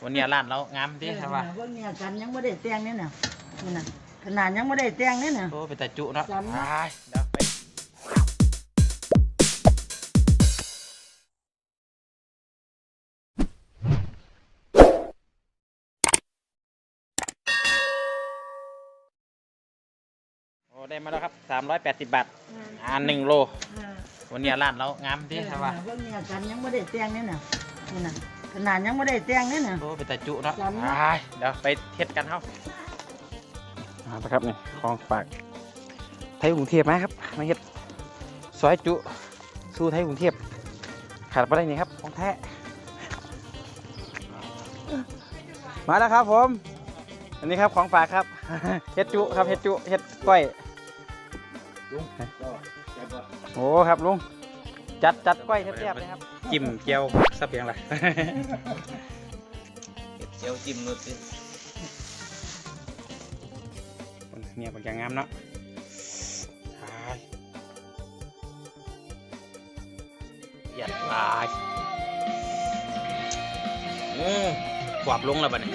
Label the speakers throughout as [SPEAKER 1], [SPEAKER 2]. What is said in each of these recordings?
[SPEAKER 1] วันนี้ร้านเรางามดีครับว่า
[SPEAKER 2] วันนี้กันยังไม่ได้แต่งเนี่ยนี่นะขนาดยังไม่ได้แต่งเนี่ย
[SPEAKER 1] โอ้เป็นแต่จุเนาะไปเดี๋ยวไปโอ้ได้มาแล้วครับ380 บาท1 โลวันนี้ร้านเรางามดีครับว่า
[SPEAKER 2] วันนี้กันยังไม่ได้แต่งเนี่ยนี่นะขนาดยังไม่ได้แต่งเนี่ย
[SPEAKER 1] โอ้เป็นแต่จุเนาะไปเดี๋ยวไปเทสกันเฮ้าครับนี่ของฝากไทยกรุงเทพไหมครับมาเฮ็ดซอยจุสู้ไทยกรุงเทพขาดไปได้นี่ครับของแท้มาแล้วครับผมอันนี้ครับของฝากครับเฮ็ดจุครับเฮ็ดจุเฮ็ดก้อยโอ้ครับลุงจัดก้อยแซ่บๆเลยครับจิ้มเจียวสับเพียงไรเจียวจิ้มนู่นสิเนี่ยเป็นอย่างงามเนาะหยัดตายขวบลงแล้วป่ะเนี่ย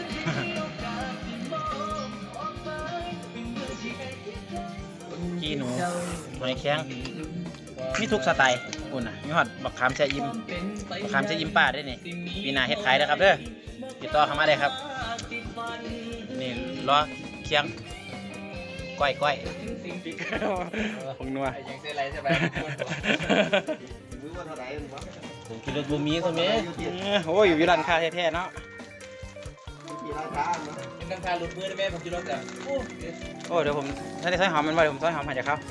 [SPEAKER 1] ขี้หนูตัวในแข้งมีทุกสไตล์คุณน่ะมีหอดบักขามแช่ยิ้มบักขามแช่ยิ้มป้าได้นี่ปีหน้าเฮ็ดขายนะครับเด้อติดต่อเข้ามาได้ครับนี่ล้อเคียงก้อยผงนัวยังเส้นไรใช่ไหมผมกินรถบูมีใช่ไหมโอ้ยอยู่ร้านค้าแท้ๆเนาะร้านค้าหลุดมือได้ไหมผมกินรถอ่ะโอ้เดี๋ยวผมถ้าได้ซอยหอมมันไว้ผมซอยหอมให้จากเขา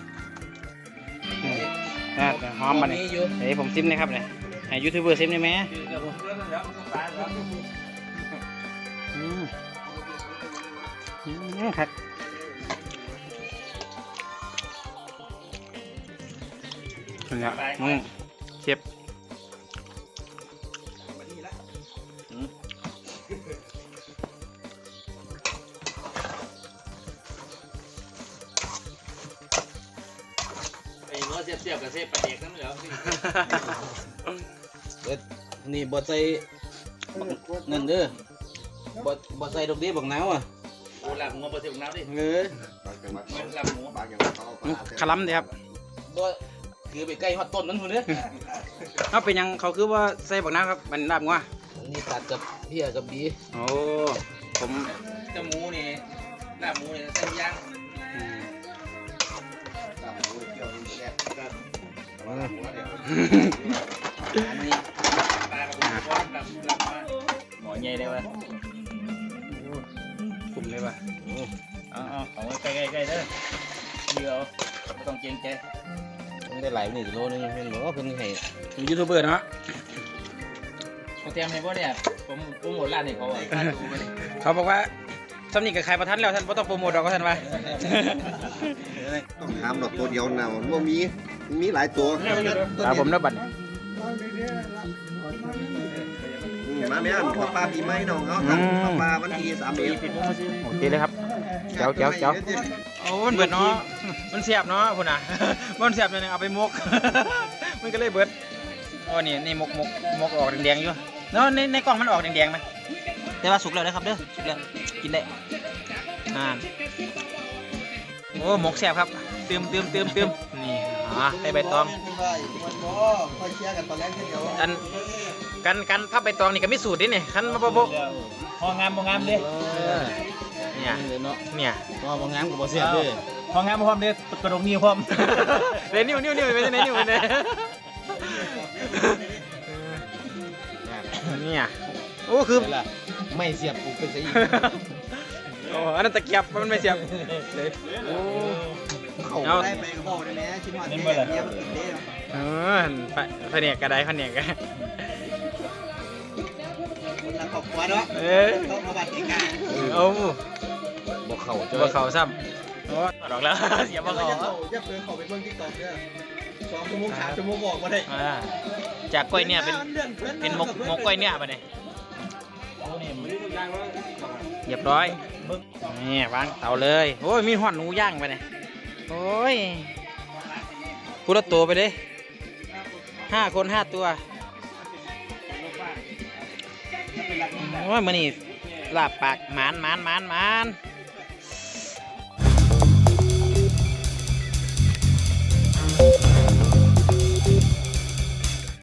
[SPEAKER 1] หอมมันนี่เดี๋ยวผมซิมนะครับเนี่ยให้ยูทูบเบอร์ซิมได้ไหมครับเนี่ยเชฟ
[SPEAKER 3] เสียบกับเสียบประเด็กนั่นเหรอนี่บดใส่เงินเด้อบดใส่ดอกเบี้ยบักน้ำอ่ะโอ้หลับหัวบดใส่บักน้ำดิหลับหัว
[SPEAKER 1] ขลัมดีครับ
[SPEAKER 3] บ่คือไปใกล้ฮอตต้นนั่นคนเด้อ
[SPEAKER 1] เขาเป็นยังเขาคือว่าใส่บักน้ำครับมันลาบงัว
[SPEAKER 3] นี่ตัดกับเพี้ยกับบี
[SPEAKER 1] โอ้ผม
[SPEAKER 3] จะหมูนี่ลาบหมูนี่ใส่ย่างหมอใหญ่เลยวะ
[SPEAKER 1] กลุ่มเลยวะ
[SPEAKER 3] เอาใกล้ๆเด้อเดี๋ยวไม่ต้องเกรงใจต้องได้หลาย1 โลนึงเป็นหรอเพิ่นให้
[SPEAKER 1] ยูทูบเบอร์เนาะ
[SPEAKER 3] เขาเตรียมให้บ่เนี่ยผมโปรโมทร้านให้เขาอ่ะ
[SPEAKER 1] เขาบอกว่าสำนีกับใครประทันแล้วท่านไม่ต้องโปรโมทดอกก็ท่านว่า
[SPEAKER 4] ต้องทำดอกตัวเดียวนะมันมีหลายตัว
[SPEAKER 1] ผมนับบัตร
[SPEAKER 4] มาแม่ขอปลาปีใหม่น้องเขาปลาวันที่31
[SPEAKER 1] โอเคเลยครับเจ้าโอ้มันเบิดเนาะมันเสียบเนาะคุณอ่ะมันเสียบเลยเอาไปมกมันก็เลยเบิดโอ้นี่มกออกแดงๆอยู่แล้วในกล่องมันออกแดงๆไหมแต่ว่าสุกแล้วนะครับเด้อสุกแล้วกินได้โอ้หมกแซ่บครับเติมนี่ได้ใบตองกันพับใบตองนี่ก็มีสูตรดิเนี่ยคันมาโบ
[SPEAKER 3] พองามดิ
[SPEAKER 1] เนี่ย
[SPEAKER 3] พองามกับบ่เสียบดิพองามพร้อมดิกระดกนิ้วพร้อม
[SPEAKER 1] เดี๋ยวนิ้วไปไหนนิ้วไปไหนเนี่ยโอ้คือ
[SPEAKER 3] ไม่เสียบกูเป็นสิ
[SPEAKER 1] โอ้อันนั้นตะเกียบมันไม่เสียบโอ้
[SPEAKER 4] เอาได้ไปก็บอกได้ไหมชิ้นวันนี้เนี่ยมันเด้
[SPEAKER 1] ผนกกระไดผนกกัน
[SPEAKER 4] คนละครอบครัวเนาะเขามาบัดนี้กัน
[SPEAKER 1] บ่เข่าซ้ำโอ้ดอกแล้วเสียบ่เข่า
[SPEAKER 4] อย่าเพิ่งเข้าไปเบิ่ง TikTok เด้อ2 ชั่วโมง 3 ชั่วโมงบอกมาได้
[SPEAKER 1] จากกล้วยเนี่ยเป็นมกกล้วยเนี่ยป่ะเนี่ยเรียบร้อยนี่วางเตาเลยโอ้ยมีหอดหนูย่างไปเนี่ยโอ้ยพูดละตัวไปเลย5 คน 5 ตัว
[SPEAKER 3] เ
[SPEAKER 1] โอ้ยมื้อนี้ลาบปากหมาน